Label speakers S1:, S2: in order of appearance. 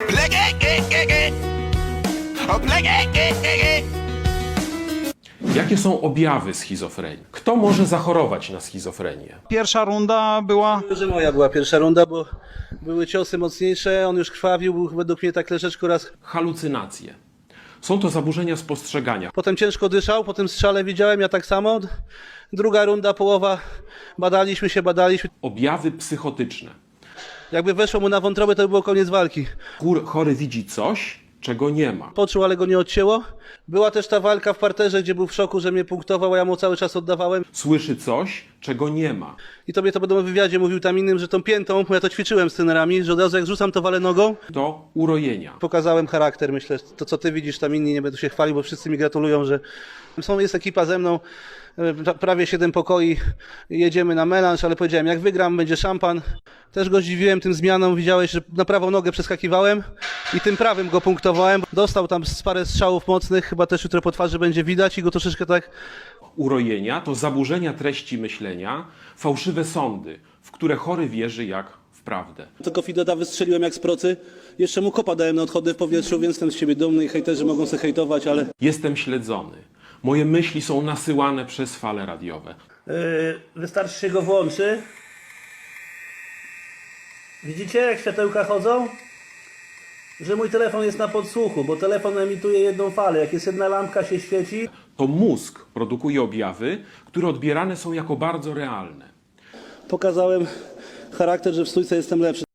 S1: Jakie są objawy schizofrenii? Kto może zachorować na schizofrenię?
S2: Pierwsza runda była...
S3: Że moja była pierwsza runda, bo były ciosy mocniejsze, on już krwawił, był według mnie tak troszeczkę raz.
S1: Halucynacje. Są to zaburzenia spostrzegania.
S3: Potem ciężko dyszał, po tym strzale widziałem, ja tak samo. Druga runda, połowa, badaliśmy się.
S1: Objawy psychotyczne.
S3: Jakby weszło mu na wątrobę, to by było koniec walki.
S1: Chory widzi coś, czego nie ma.
S3: Poczuł, ale go nie odcięło. Była też ta walka w parterze, gdzie był w szoku, że mnie punktował, a ja mu cały czas oddawałem.
S1: Słyszy coś, czego nie ma.
S3: I tobie to będą w wywiadzie mówił tam innym, że tą piętą, bo ja to ćwiczyłem z trenerami, że od razu jak rzucam, to walę nogą.
S1: To urojenia.
S3: Pokazałem charakter, myślę, to co ty widzisz, tam inni nie będą się chwalić, bo wszyscy mi gratulują, że jest ekipa ze mną, prawie 7 pokoi, jedziemy na melanż, ale powiedziałem, jak wygram, będzie szampan. Też go zdziwiłem tym zmianą, widziałeś, że na prawą nogę przeskakiwałem i tym prawym go punktowałem. Dostał tam parę strzałów mocnych, chyba też jutro po twarzy będzie widać i go troszeczkę tak...
S1: Urojenia to zaburzenia treści myślenia, fałszywe sądy, w które chory wierzy jak w prawdę.
S3: Tylko Fidota wystrzeliłem jak z procy, jeszcze mu kopa dałem na odchody w powietrzu, więc jestem z siebie dumny i hejterzy mogą sobie hejtować, ale...
S1: Jestem śledzony. Moje myśli są nasyłane przez fale radiowe.
S4: Wystarczy się go włączy. Widzicie, jak światełka chodzą? Że mój telefon jest na podsłuchu, bo telefon emituje jedną falę. Jak jest jedna lampka się świeci.
S1: To mózg produkuje objawy, które odbierane są jako bardzo realne.
S3: Pokazałem charakter, że w stójce jestem lepszy.